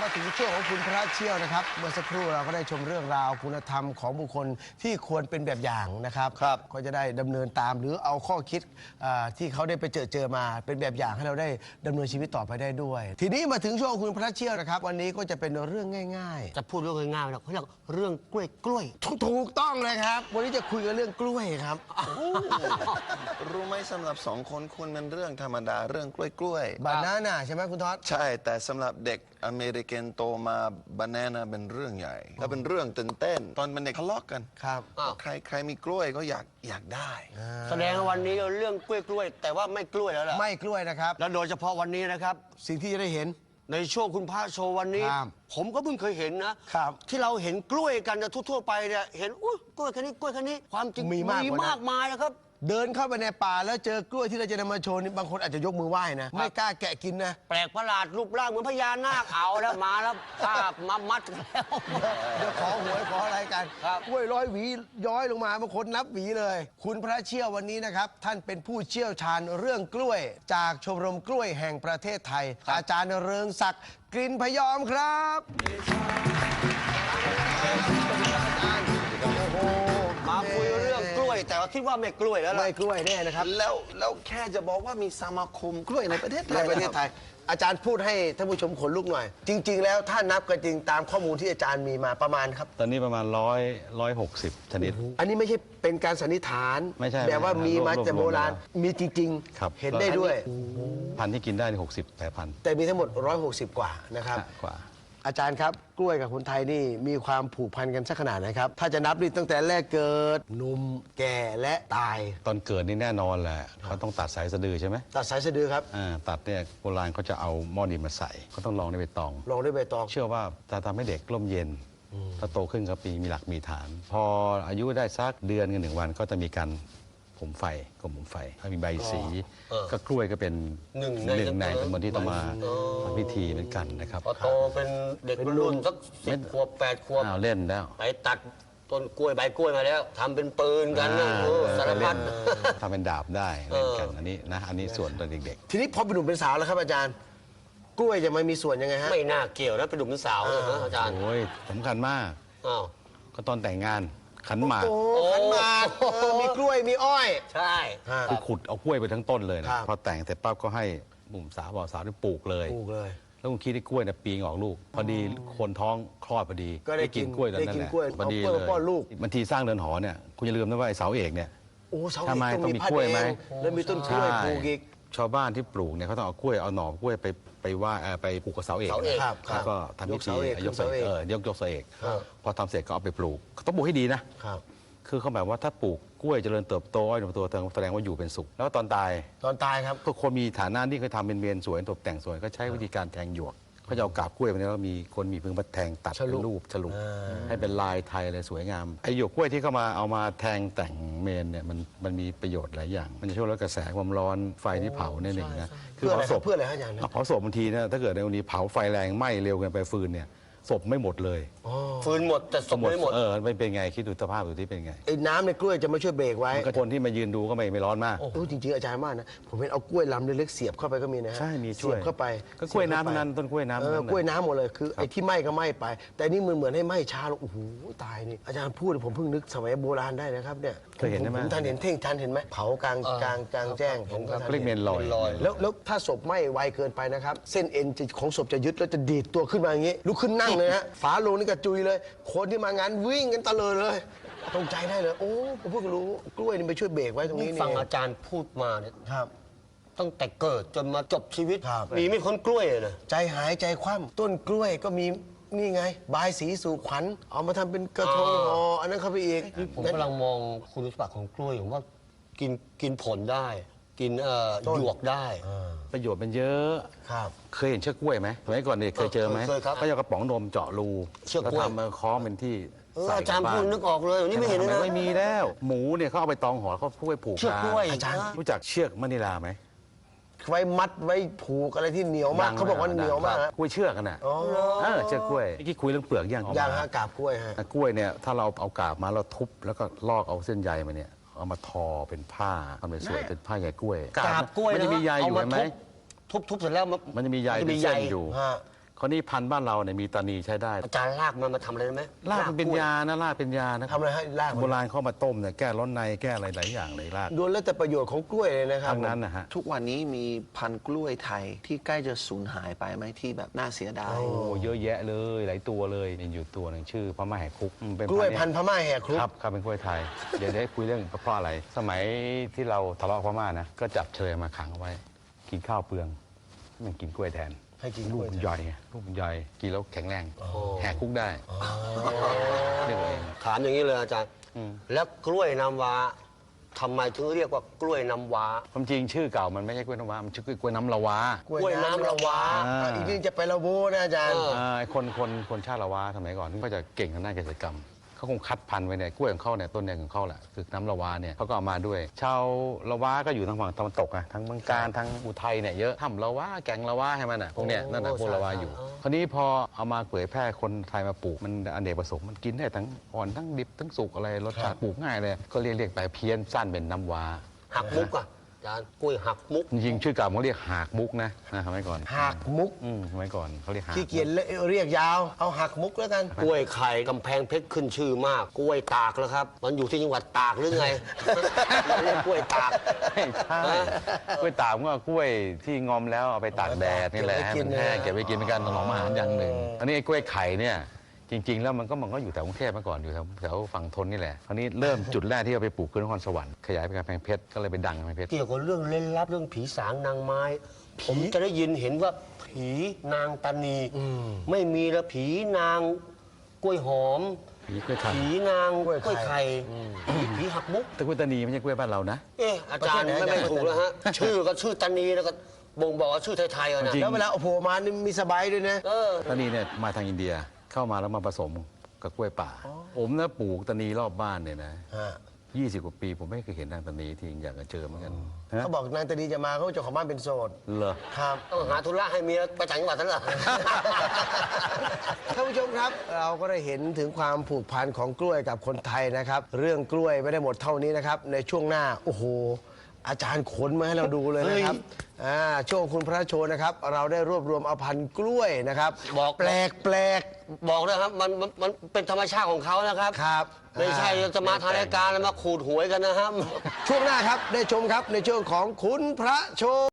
มาถึงช่วงของคุณพระเชี่ยวนะครับเมื่อสักครู่เราก็ได้ชมเรื่องราวคุณธรรมของบุคคลที่ควรเป็นแบบอย่างนะครับก็จะได้ดำเนินตามหรือเอาข้อคิดที่เขาได้ไปเจอมาเป็นแบบอย่างให้เราได้ดำเนินชีวิตต่อไปได้ด้วยทีนี้มาถึงช่วงคุณพระเชี่ยวนะครับวันนี้ก็จะเป็นเรื่องง่ายจะพูดเรื่องง่ายๆนะเขาเรียกเรื่องกล้วยถูกต้องเลยครับวันนี้จะคุยกันเรื่องกล้วยครับรู้ไหมสำหรับสองคนคุณมันเรื่องธรรมดาเรื่องกล้วยบานาน่าใช่ไหมคุณท็อดใช่แต่สำหรับเด็กอเมริกันโตมาบานาน่าเป็นเรื่องใหญ่ถ้าเป็นเรื่องตื่นเต้นตอนเป็นเด็กทะเลาะกันครับใครมีกล้วยก็อยากได้แสดงวันนี้เรื่องกล้วยแต่ว่าไม่กล้วยแล้วล่ะไม่กล้วยนะครับแล้วโดยเฉพาะวันนี้นะครับสิ่งที่จะได้เห็นในช่วงคุณพระโชว์วันนี้ผมก็เพิ่งเคยเห็นนะครับที่เราเห็นกล้วยกันทั่วไปเนี่ยเห็นกล้วยแค่นี้ความจริงมีมากมายนะครับเดินเข้าไปในป่าแล้วเจอกล้วยที่เราจะนำมาโชว์นี่บางคนอาจจะยกมือไหว้นะไม่กล้าแกะกินนะแปลกประหลาดรูปร่างเหมือนพญานาคเอาแล้วมาแล้วภาพมามัดแล้วเดี๋ยวขอหวยขออะไรกันกล้วยร้อยหวีย้อยลงมาบางคนนับหวีเลยคุณพระเชี่ยววันนี้นะครับท่านเป็นผู้เชี่ยวชาญเรื่องกล้วยจากชมรมกล้วยแห่งประเทศไทยอาจารย์เริงศักดิ์กลิ่นพยอมครับมาคุยเรื่องกล้วยแต่ว่าคิดว่าไม่กล้วยแล้วไม่กล้วยแน่นะครับแล้วแค่จะบอกว่ามีสมาคมกล้วยในประเทศไทยอาจารย์พูดให้ท่านผู้ชมขนลุกหน่อยจริงๆแล้วถ้านับกันจริงตามข้อมูลที่อาจารย์มีมาประมาณครับตอนนี้ประมาณ160ชนิดอันนี้ไม่ใช่เป็นการสันนิษฐานไม่ใช่แบบว่ามีมาแต่โบราณมีจริงๆเห็นได้ด้วยพันธุ์ที่กินได้60 8 พันแต่มีทั้งหมด160กว่านะครับกว่าอาจารย์ครับกล้วยกับคนไทยนี่มีความผูกพันกันสักขนาดไหนครับถ้าจะนับนี่ตั้งแต่แรกเกิดหนุ่มแก่และตายตอนเกิดนี่แน่นอนแหละเขาต้องตัดสายสะดือใช่ไหมตัดสายสะดือครับตัดเนี่ยโบราณเขาจะเอาหม้อดินมาใส่เขาต้องลองด้วยใบตองเชื่อว่าจะทำให้เด็กร่มเย็นถ้าโตขึ้นก็มีหลักมีฐาน พออายุได้สักเดือนกัน1 วันก็จะมีการผมไฟถ้ามีใบสีก็กล้วยก็เป็นหนึ่งในจำนวนที่ต้องมาทำพิธีเหมือนกันนะครับพอโตเป็นเด็กรุ่นสัก10 ขวบ 8 ขวบเล่นแล้วไปตัดต้นกล้วยใบกล้วยมาแล้วทำเป็นปืนกันสารพัดทำเป็นดาบได้เล่นกันอันนี้ส่วนตอนเด็กๆทีนี้พอเป็นหนุ่มเป็นสาวแล้วครับอาจารย์กล้วยจะไม่มีส่วนยังไงฮะไม่น่าเกี่ยวนะเป็นหนุ่มเป็นสาวนะอาจารย์โอ้ยสำคัญมากก็ตอนแต่งงานขันหมากมีกล้วยมีอ้อยใช่คือขุดเอากล้วยไปทั้งต้นเลยนะพอแต่งเสร็จปั๊บก็ให้หนุ่มสาวบ่าวสาวได้ปลูกเลยแล้วคุณคิดได้กล้วยเนี่ยปีงออกลูกพอดีคนท้องคลอดพอดีก็ได้กินกล้วยนั่นแหละพอดีเลยบางทีสร้างเรือนหอเนี่ยคุณอย่าลืมนะว่าไอ้เสาเอกเนี่ยทำไมต้องมีกล้วยไหมแล้วมีต้นกล้วยปลูกอีกชาวบ้านที่ปลูกเนี่ยเขาต้องเอากล้วยเอาหน่อกล้วยไปว่าไปปลูกกับเสาเอกแล้วก็ทำพิธียกเสาเอกพอทำเสร็จก็เอาไปปลูกต้องปลูกให้ดีนะคือเขาหมายว่าถ้าปลูกกล้วยเจริญเติบโตอ้อยตัวแสดงว่าอยู่เป็นสุขแล้วตอนตายครับก็คนมีฐานะที่เคยทำเป็นเมนสวยตกแต่งสวยก็ใช้วิธีการแทงหยวกเขาจะเอากาบกล้วยไปแล้วมีคนมีพึงมาแทงตัดเป็นรูปฉลุให้เป็นลายไทยอะไรสวยงามไอ้หยวกกล้วยที่เขามาเอามาแทงแต่งเมนเนี่ยมันมีประโยชน์หลายอย่างมันจะช่วยลดกระแสความร้อนไฟที่เผานั่นเองนะคือเผาศพเพื่ออะไรฮะอาจารย์เผาศพบางทีนะถ้าเกิดในวันนี้เผาไฟแรงไหม้เร็วเกินไปฟืนเนี่ยศพไม่หมดเลยฟืนหมดแต่ศพไม่หมดไม่เป็นไงคิดดูสภาพดูที่เป็นไงไอ้น้ำในกล้วยจะมาช่วยเบรกไว้คนที่มายืนดูก็ไม่ร้อนมากจริงๆอาจารย์มากนะผมเห็นเอากล้วยลำเล็กๆเสียบเข้าไปก็มีนะฮะใช่มีช่วยเสียบเข้าไปก็กล้วยน้ำนั้นต้นกล้วยน้ำกล้วยน้ำหมดเลยคือไอ้ที่ไหม้ก็ไหม้ไปแต่นี่เหมือนให้ไหม้ช้าลงโอ้โหตายนี่อาจารย์พูดผมเพิ่งนึกสมัยโบราณได้นะครับเนี่ยเคยเห็นไหมผมทันเห็นเท่งทันเห็นไหมเผากลางแจ้งผมก็เรียกเมนลอยแล้วถ้าศพไหม้ไวเกินไปนะครับเส้นเอ็นของศพจะยึดแล้วจะดีดตัวขึ้นมาอย่างนี้ลุกขึ้นนั่งเลยฮะฝาโลงนี่กระจุยเลยคนที่มางานวิ่งกันตะเลยตรงใจได้เลยโอ้ผมเพิ่งรู้กล้วยนี่ไปช่วยเบรกไว้ตรงนี้นี่ฟังอาจารย์พูดมาเนี่ยตั้งแต่เกิดจนมาจบชีวิตมีไม่คนกล้วยเลยใจหายใจคว่ำต้นกล้วยก็มีนี่ไงบายสีสู่ขวัญเอามาทำเป็นกระทงห่ออันนั้นเข้าไปอีกผมกำลังมองคุณสมบัติของกล้วยผมว่ากินผลได้กินหยวกได้ประโยชน์มันเยอะเคยเห็นเชือกกล้วยไหมสมัยก่อนเนี่ยเคยเจอไหมเขาจะกระป๋องนมเจาะรูแล้วทำมาคล้องเป็นที่อาจารย์พูดนึกออกเลยนี่ไม่เห็นเลยไม่มีแล้วหมูเนี่ยเขาเอาไปตองห่อเขาพูดไปผูกเชือกกล้วยอาจารย์รู้จักเชือกมะนิลาไหมไว้มัดไว้ผูกอะไรที่เหนียวมากเขาบอกว่าเหนียวมากกล้วยเชือกกันน่ะเชือกกล้วยเมื่อกี้คุยเรื่องเปลือกย่างฮะกาบกล้วยฮะกล้วยเนี่ยถ้าเราเอากาบมาเราทุบแล้วก็ลอกเอาเส้นใยมาเนี่ยเอามาทอเป็นผ้าทำเป็นสวยเป็นผ้าใยกล้วยกาบกล้วยมันจะมีใยอยู่ไหมทุบเสร็จแล้วมันจะมีใยเป็นเส้นอยู่คราวนี้พันธุ์บ้านเราเนี่ยมีตานีใช้ได้อาจารย์ลากมันมาทำอะไรได้ไหมรากมันเป็นยานะรากเป็นยานะทำอะไรให้รากมันโบราณเข้ามาต้มเนี่ยแก้ร้อนในแก้อะไรหลายอย่างเลยรากดูแล้วแต่ประโยชน์ของกล้วยเลยนะครับทั้งนั้นนะฮะทุกวันนี้มีพันธุ์กล้วยไทยที่ใกล้จะสูญหายไปไหมที่แบบน่าเสียดายโอ้เยอะแยะเลยหลายตัวเลยมีอยู่ตัวหนึ่งชื่อพม่าแหกคุกเป็นกล้วยธุ์พันธุ์พม่าแหกคุกครับเป็นกล้วยไทย เดี๋ยวได้คุยเรื่องเพราะอะไร สมัยที่เราทะเลาะกับพม่านะก็จับเชยมาขังเอาไว้ กินข้าวเปลืองมันกินกล้วยแทนให้กินกลูล้กวยมันใหญ่ไงลูกมันใหญ่กินแล้วแข็งแรงแหกคุกได้เรียกเอาเองถามอย่างนี้เลยอาจารย์อืมแล้วกล้วยน้ำว้าทำไมถึงเรียกว่ากล้วยน้ำว้าความจริงชื่อเก่ามันไม่ใช่กล้วยน้ำว้ามันชื่อกล้วยน้ำละวากล้วยน้ำละวาอีกนิดจะไปละโวนะอาจารย์ไอ้คนชาติละวาสมัยก่อนก็จะเก่งทางด้านเกษตรกรรมเขาคงคัดพันธุ์ไว้เนี่ยกล้วยของเขาเนี่ยต้นเนี่ยของเขาแหละคือน้ำละวาเนี่ยเขาก็เอามาด้วย ชาวละวาก็อยู่ทางฝั่งตะวันตกอะทั้งเมืองการทั้งอุทัยเนี่ยเยอะถ้ำละวาแก่งละวาให้มันอะพวกเนี้ยนั่นน่ะพวกละวาอยู่ คราวนี้พอเอามาเผยแพร่คนไทยมาปลูกมันอเนกประสงค์มันกินได้ทั้งอ่อนทั้งดิบทั้งสุกอะไรรสชาติปลูกง่ายเลยก็เรียกไปเพี้ยนสั้นเป็นน้ำว้าหักมุกอ่ะอาจารย์กล้วยหักมุกจริงๆชื่อเก่าเขาเรียกหากมุกนะสมัยก่อนหักมุกสมัยก่อนเขาเรียกหากขี้เกียจเรียกยาว เอาหักมุกแล้วกันกล้วยไข่กำแพงเพชรขึ้นชื่อมาก กล้วยตากแล้วครับ มันอยู่ที่จังหวัดตากหรือไง เรียกกล้วยตากไม่ใช่กล้วยตากก็กล้วยที่งอมแล้วเอาไปตากแดดนี่แหละให้มันแห้งเก็บไว้กินเป็นการถนอมอาหารอย่างหนึ่งอันนี้ไอ้กล้วยไข่เนี่ยจริง ๆ แล้วมันก็อยู่แถวกรุงเทพมาก่อนอยู่แถวฝั่งทนนี่แหละคราวนี้เริ่มจุดแรกที่เอาไปปลูกคือนครสวรรค์ขยายไปกำแพงเพชรก็เลยไปดังกำแพงเพชรเกี่ยวกับเรื่องเล่นลับเรื่องผีสางนางไม้ ผมจะได้ยินเห็นว่าผีนางตานีไม่มีแล้วผีนางกล้วยหอมผีกล้วยไข่ผีนางกล้วยไข่ผีหักมุกแต่กล้วยตานีไม่ใช่กล้วยบ้านเรานะเอ๊ะอาจารย์ไม่ถูกแล้วฮะ ชื่อก็ชื่อตานีแล้วก็บ่งบอกว่าชื่อไทยๆอะนะจริงแล้วเวลาเอาโผล่มานี่มีสบายด้วยนะตานีเนี่ยมาทางอินเดียเข้ามาแล้วมาผสมกับกล้วยป่าผมนะปลูกตานีรอบบ้านเนี่ยนะฮะ 20 กว่าปีผมไม่เคยเห็นนางตานีที่อยากจะเจอเหมือนกันฮะเขาบอกนางตานีจะมาเขาเจ้าของบ้านเป็นโสดเหรอครับต้องหาธุระให้เมียไปต่างจังหวัดนั่นเหรอท่านผู้ชมครับ เราก็ได้เห็นถึงความผูกพันของกล้วยกับคนไทยนะครับ เรื่องกล้วยไม่ได้หมดเท่านี้นะครับ ในช่วงหน้าโอ้โหอาจารย์ขนมาให้เราดูเลยนะครับช่วงคุณพระโชว์นะครับ เราได้รวบรวมเอาพันธุ์กล้วยนะครับบอกแปลกบอกนะครับมันเป็นธรรมชาติของเขานะครับครับไม่ใช่จะมาทางรายการแล้วมาขูดหวยกันนะครับช่วงหน้าครับได้ชมครับในช่วงของคุณพระโชว์